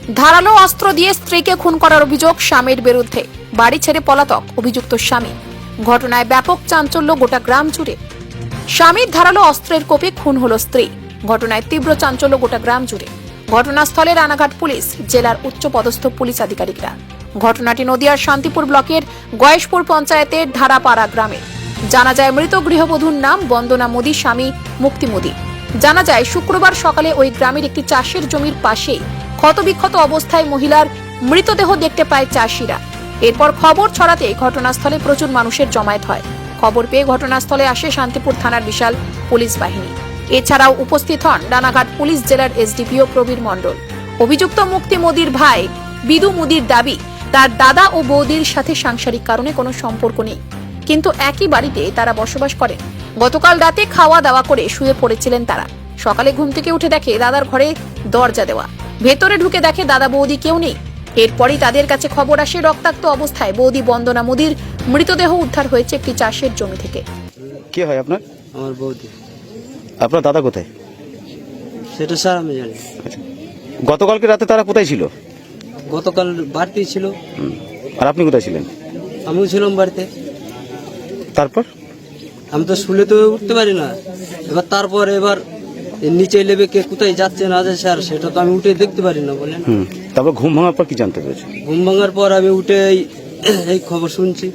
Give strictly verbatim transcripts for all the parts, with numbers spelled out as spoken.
ধারালো অস্ত্র দিয়ে স্ত্রীকে খুন করার অভিযোগ স্বামীর বিরুদ্ধে, বাড়ি ছেড়ে পলাতক অভিযুক্ত স্বামী। ঘটনায় ব্যাপক চাঞ্চল্য গোটা গ্রাম জুড়ে। স্বামীর ধারালো অস্ত্রের কোপে খুন হলো স্ত্রী। ঘটনায় তীব্র চাঞ্চল্য গোটা গ্রাম জুড়ে। ঘটনাস্থলে রানাঘাট পুলিশ, জেলার উচ্চ পদস্থ পুলিশ আধিকারিকরা। ঘটনাটি নদিয়ার শান্তিপুর ব্লকের গয়েশপুর পঞ্চায়েতের ধারাপাড়া গ্রামে। জানা যায় মৃত গৃহবধূর নাম বন্দনা মোদী, স্বামী মুক্তি মোদী। জানা যায় শুক্রবার সকালে ওই গ্রামের একটি চাষের জমির পাশেই ক্ষতবিক্ষত অবস্থায় মহিলার মৃতদেহ দেখতে পায় চাষিরা। এরপর খবর ছড়াতে ঘটনাস্থলে প্রচুর মানুষের জমায়েত হয়। খবর পেয়ে ঘটনাস্থলে আসে শান্তিপুর থানার বিশাল পুলিশ বাহিনী। এছাড়াও উপস্থিত হন রানাঘাট পুলিশ জেলার এসডিপিও প্রবীর মণ্ডল। অভিযুক্ত মুক্তি মোদীর ভাই বিদু মোদীর দাবি, তার দাদা ও বৌদির সাথে সাংসারিক কারণে কোনো সম্পর্ক নেই, কিন্তু একই বাড়িতে তারা বসবাস করেন। গতকাল রাতে খাওয়া দাওয়া করে শুয়ে পড়েছিলেন তারা। সকালে ঘুম থেকে উঠে দেখে দাদার ঘরে দরজা দেওয়া, ভেতরে ঢুকে দেখে দাদা বৌদি কেউ নেই। এরপরই তাদের কাছে খবর আসে রক্তাক্ত অবস্থায় বৌদি বন্দনা মোদীর মৃতদেহ উদ্ধার হয়েছে একটি চাষের জমি থেকে। কে হয় আপনার? আমার বৌদি। আপনার দাদা কোথায়? সেটা স্যার আমি জানি। গতকালকে রাতে তারা কোথায় ছিল? গতকাল বাড়িতেই ছিল। হুম। আর আপনি কোথায় ছিলেন? আমিও ছিলাম বাড়িতে। তারপর আমি তো শুলে তো উঠতে পারি না। এবার তারপর এবার এর নিচে লেবে কে কোথায় যাচ্ছে না যাচ্ছে স্যার সেটা তো আমি উঠে দেখতে পারি না বলেন। হুম। তারপর ঘুম ভাঙার পর কি জানতে পেরেছে? ঘুম ভাঙার পর আমি উঠে এই- এই খবর শুনছি।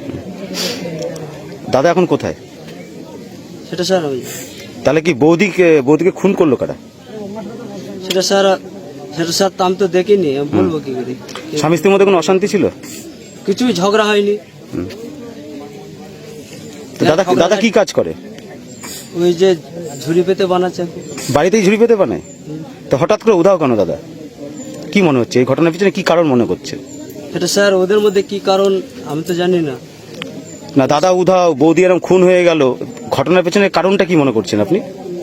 দাদা এখন কোথায়? সেটা স্যার আমি তাহলে কি বৌদিকে বৌদিকে খুন করলো কারা? সেটা স্যার সেটা স্যার তো আমি তো দেখিনি, আমি বলবো কি করে। স্বামী স্ত্রীর মধ্যে কোনো অশান্তি ছিল? কিছুই ঝগড়া হয়নি। তো দাদা দাদা কি কাজ করে? ওই যে ঝুড়ি পেতে বানাচ্ছে। বাড়িতেই ঝুড়ি পেতে বানায়? তো হঠাৎ করে উধাও কেন দাদা? কি মনে হচ্ছে এই ঘটনার পিছনে কি কারণ মনে করছে? সেটা স্যার ওদের মধ্যে কি কারণ আমি তো জানি না। না দাদা উধাও, বৌদি এরকম খুন হয়ে গেল, ঘটনার পেছনে কারণটা কি মনে করছেন আপনি?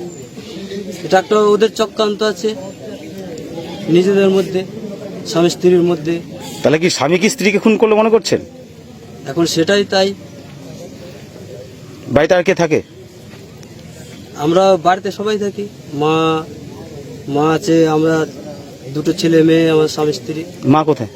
এটা একটা ওদের চক্রান্ত আছে নিজেদের মধ্যে, স্বামী স্ত্রীর মধ্যে। তাহলে কি স্বামী কি স্ত্রীকে খুন করলো মনে করছেন? এখন সেটাই তাই। বাড়িতে আর কে থাকে? আমরা বাড়িতে সবাই থাকি, মা মা আছে, আমরা দুটো ছেলে মেয়ে, আমার স্বামী স্ত্রী। মা কোথায়?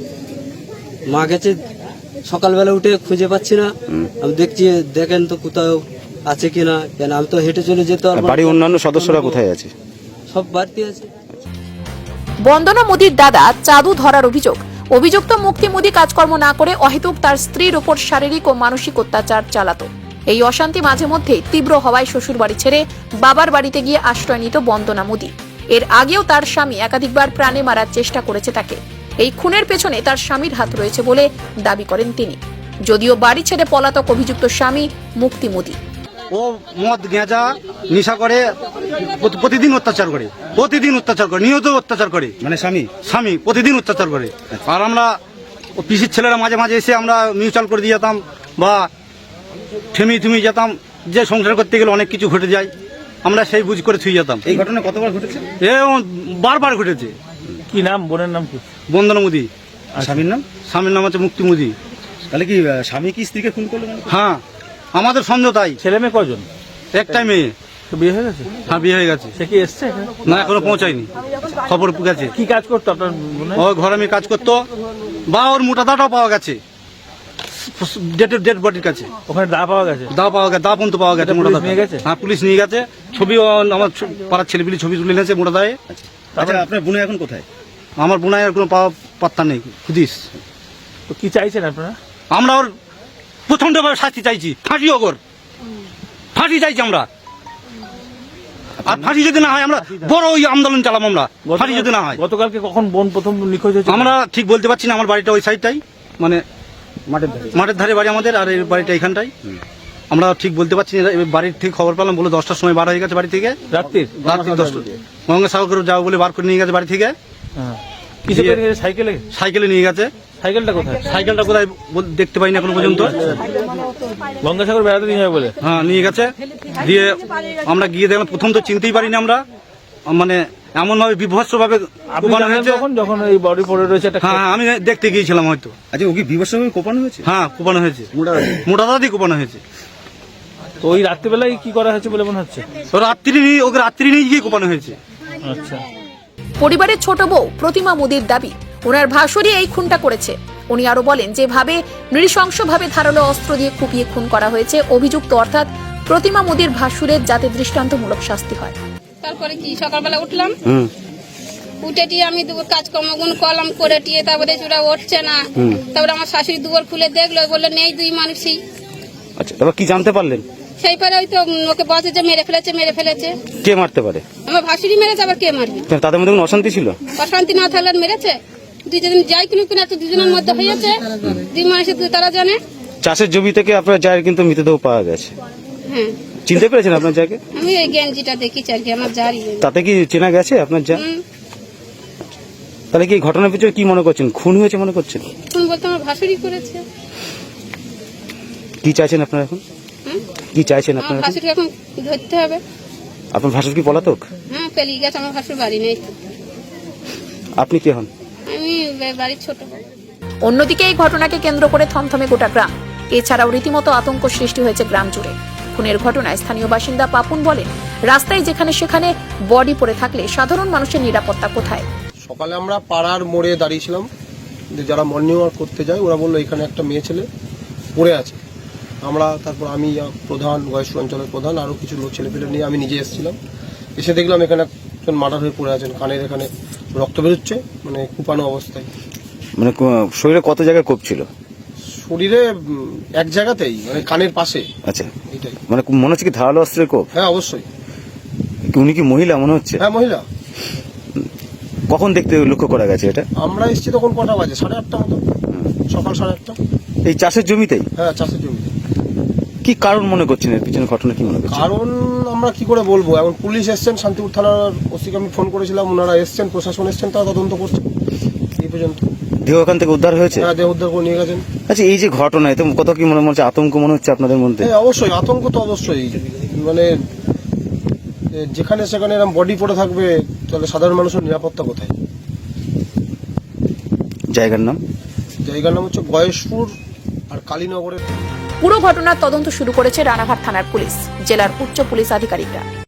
মা গেছে সকালবেলা উঠে খুঁজে পাচ্ছি না। আমি দেখছি দেখেন তো কোথাও আছে কিনা, কেন আমি তো হেঁটে চলে যেতে আর পারবো না। বাড়ির অন্যান্য সদস্যরা কোথায় আছে? সব বাড়িতে আছে। বন্দনা মোদীর দাদা চাঁদু ধরার অভিযোগ। অভিযুক্ত মুক্তি মোদী কাজকর্ম না করে অহেতুক তার স্ত্রীর উপর শারীরিক ও মানসিক অত্যাচার চালাতো। এই অশান্তি মাঝে মধ্যে তীব্র হওয়ায় শ্বশুর বাড়ি ছেড়ে বাবার বাড়িতে গিয়ে আশ্রয় নিত বন্দনা মোদী। এর আগেও তার স্বামী একাধিকবার প্রাণে মারার চেষ্টা করেছে তাকে। এই খুনের পেছনে তার স্বামীর হাত রয়েছে বলে দাবি করেন তিনি। যদিও বাড়ি ছেড়ে পলাতক অভিযুক্ত স্বামী মুক্তি মোদী। ও মদ গেঁজা নেশা করে, প্রতি- প্রতিদিন অত্যাচার করে, প্রতিদিন অত্যাচার করে, নিয়ত অত্যাচার করে। মানে স্বামী স্বামী প্রতিদিন অত্যাচার করে। আর আমরা ও পিসির ছেলেরা মাঝে মাঝে এসে আমরা মিউচুয়াল করে দিয়ে যেতাম বা থেমি থেমি যেতাম, যে সংসার করতে গেলে অনেক কিছু ঘটে যায়, আমরা সেই বুঝ করে থুই যেতাম। এই ঘটনা কতবার ঘটেছে? এ বারবার ঘটেছে। কি নাম, বোনের নাম কি? বন্দনা মোদী। স্বামীর নাম? স্বামীর নাম হচ্ছে মুক্তি মোদী। তাহলে কি আহ, স্বামী কি স্ত্রীকে খুন করলো মনে করছেন? হ্যাঁ, আমাদের সন্দেহ তাই। ছেলে মেয়ে কজন? একটাই মেয়ে। তো বিয়ে হয়ে গেছে? হ্যাঁ, বিয়ে হয়ে গেছে। সে কি এসছে এখানে? না, এখনো পৌঁছায়নি, খবর গেছে। কি কাজ করতো আপনার বোনে? ও ঘরে আমি কাজ করতো, বা ওর মোটা দাটাও পাওয়া গেছে ডেড ডেড বডির কাছে। ওখানে দা পাওয়া গেছে? দা পাওয়া গেছে, দা পর্যন্ত পাওয়া গেছে। এটা মোটা পুলিশ দা নিয়ে গেছে? হ্যাঁ, পুলিশ নিয়ে গেছে। ছবিও আমার ছ- পাড়ার ছেলেপিলি ছবি তুলে নিয়েছে মোটা দায়ে। আচ্ছা, আপনার বোন এখন কোথায়? আমার বোনাইয়ের কোনো পাওয়া পাত্তা নেই, খুদিস। তো কি চাইছেন আপনারা? আমরা ওর প্রচন্ডভাবে শাস্তি চাইছি, ফাঁসি হোক ওর, ফাঁসি চাইছি আমরা। আর ফাঁসি যদি না হয় আমরা বড় ওই আন্দোলন চালাবো আমরা, ফাঁসি যদি না হয়। গতকালকে কখন বোন প্রথম নিখোঁজ হয়েছে? আমরা ঠিক বলতে পারছি না, আমার বাড়িটা ওই সাইডটাই, মানে মাঠের ধারে মাঠের ধারে বাড়ি আমাদের, আর এই বাড়িটা এখানটাই। আমরা ঠিক বলতে পারছি না। এবার বাড়ির থেকে খবর পেলাম, বলে দশটার সময় বার হয়ে গেছে বাড়ি থেকে। রাত্রির? রাত্রি দশটা গঙ্গাসাগর যাবো বলে বার করে নিয়ে গেছে বাড়ি থেকে। হ্যাঁ। কিসে করে নিয়ে গেছে? সাইকেলে? সাইকেলে নিয়ে গেছে। সাইকেলটা কোথায়? সাইকেলটা কোথায় বল- দেখতে পাইনি এখনো পর্যন্ত। গঙ্গাসাগর বেড়াতে নিয়ে যাবে বলে? হ্যাঁ, নিয়ে গেছে। দিয়ে আমরা গিয়ে দেখলাম, প্রথম তো চিনতেই পারিনি আমরা, মানে এমন ভাবে বিভৎস ভাবে আপনি কোপানো জানেন হয়েছে। তখন যখন এই বডি পড়ে রয়েছে একটা? হ্যাঁ, আমি দেখতে গিয়েছিলাম হয়তো। আচ্ছা, ও কি বিভৎসভাবে কোপানো হয়েছে? হ্যাঁ, কোপানো হয়েছে, মোটা দাদি কোপানো হয়েছে। তো ওই রাত্রিবেলায় কি করা হয়েছে বলে মনে হচ্ছে? তো রাত্রি নিয়ে ওকে রাত্রি নিয়ে গিয়ে কোপানো হয়েছে। আচ্ছা। পরিবারের ছোট বউ প্রতিমা মুদির দাবি ওনার ভাসুরই এই খুনটা করেছে। উনি আরো বলেন, যেভাবে নৃশংসভাবে ধারালো অস্ত্র দিয়ে কুপিয়ে খুন করা হয়েছে অভিযুক্ত অর্থাৎ প্রতিমা মুদির ভাসুরের যাতে দৃষ্টান্তমূলক শাস্তি হয়। তারপরে কি সকালবেলা উঠলাম, হুম উঠে টিয়ে আমি দুপুর কাজকর্মগুলো করলাম, করে টিয়ে তারপরে ওরা উঠছে না। তারপরে আমার শাশুড়ি দুপুর খুলে দেখলো, বললো নেই দুই মানুষই। আচ্ছা, তারপর কি জানতে পারলেন? সেই পরে ওই তো ওকে বসে যে মেরে ফেলেছে মেরে ফেলেছে কে মারতে পারে? আমার ভাসুরি মেরেছে, আবার কে মারবে? কেন, তাদের মধ্যে কোনো অশান্তি ছিল? অশান্তি না থাকলে আর মেরেছে? দুজন যাই কিনুক কিনা তো দুজনের মধ্যে হয়েছে, দুই মানুষের দুই তারা জানে। চাষের জমি থেকে আপনার জায়ের কিন্তু মৃতদেহ পাওয়া গেছে, হ্যাঁ চিনতে পেরেছেন আপনার জায়গাকে? আমি এই গেঞ্জিটা দেখেছি আর কি, আমার জারি। তাতে কি চেনা গেছে আপনার যা? হুম, তাহলে কি এই ঘটনার পিছনে কি মনে করছেন, খুন হয়েছে মনে করছেন? কোন বলতে আমার ভাসুরি করেছে। কি চাইছেন আপনারা এখন? হুম, কি চাইছেন আমার আপনারা এখন? ভাসুরি এখন ধরতে হবে। আপনার ভাসুর কি পলাতক? হ্যাঁ পেলিয়ে গেছে, আমার ভাসুর বাড়ি নেই। আপনি কে হন? আমি বাড়ির ছোট। অন্যদিকে এই ঘটনাকে কেন্দ্র করে থমথমে গোটা গ্রাম। এছাড়াও রীতিমতো আতঙ্ক সৃষ্টি হয়েছে গ্রাম জুড়ে। খুনের ঘটনায় স্থানীয় বাসিন্দা পাপুন বলেন, রাস্তায় যেখানে সেখানে বডি পড়ে থাকলে সাধারণ মানুষের নিরাপত্তা কোথায়? সকালে আমরা পাড়ার মোড়ে দাঁড়িয়েছিলাম, যে যারা মর্নিং ওয়াক করতে যায় ওরা বললো এখানে একটা মেয়ে ছেলে পড়ে আছে। আমরা তারপর আমি আহ, প্রধান বয়স্ক অঞ্চলের প্রধান আরও কিছু লোক ছেলেপেলে নিয়ে আমি নিজে এসেছিলাম। এসে দেখলাম এখানে একজন মার্ডার হয়ে পড়ে আছেন, কানের এখানে রক্ত বেরোচ্ছে, মানে কুপানো অবস্থায়। মানে কো- শরীরে কত জায়গায় কোপ ছিল? শরীরে উম, এক জায়গাতেই, মানে কানের পাশে। আচ্ছা, এটাই। মানে মনে হচ্ছে কি ধারালো অস্ত্রের কোপ? হ্যাঁ অবশ্যই। কি উনি কি মহিলা মনে হচ্ছে? হ্যাঁ মহিলা। কখন দেখতে লক্ষ্য করা গেছে এটা? আমরা এসেছি তখন কটা বাজে? সাড়ে আটটা মতো, সকাল সাড়ে আটটা। এই চাষের জমিতেই? হ্যাঁ চাষের জমিতে। কি কারণ মনে করছেন, এর পিছনে ঘটনা কি মনে করছেন? কারণ আমরা কি করে বলবো, এখন পুলিশ এসছেন, শান্তিপুর থানার ওসিকে আমি ফোন করেছিলাম, ওনারা এসছেন, প্রশাসন এসছেন, তারা তদন্ত করছে এই পর্যন্ত। দেহ এখান থেকে উদ্ধার হয়েছে? হ্যাঁ দেহ উদ্ধার করে নিয়ে গেছেন। আচ্ছা, এই যে ঘটনা, এতে কত কি মনে হচ্ছে, আতঙ্ক মনে হচ্ছে আপনাদের মধ্যে? হ্যাঁ অবশ্যই আতঙ্ক তো অবশ্যই, মানে এ, যেখানে সেখানে এরকম বডি পড়ে থাকবে তাহলে সাধারণ মানুষের নিরাপত্তা কোথায়? জায়গার নাম? জায়গার নাম হচ্ছে গয়েশপুর আর কালীনগরের। পুরো ঘটনার তদন্ত শুরু করেছে রানাঘাট থানার পুলিশ, জেলার উচ্চ পুলিশ আধিকারিকরা।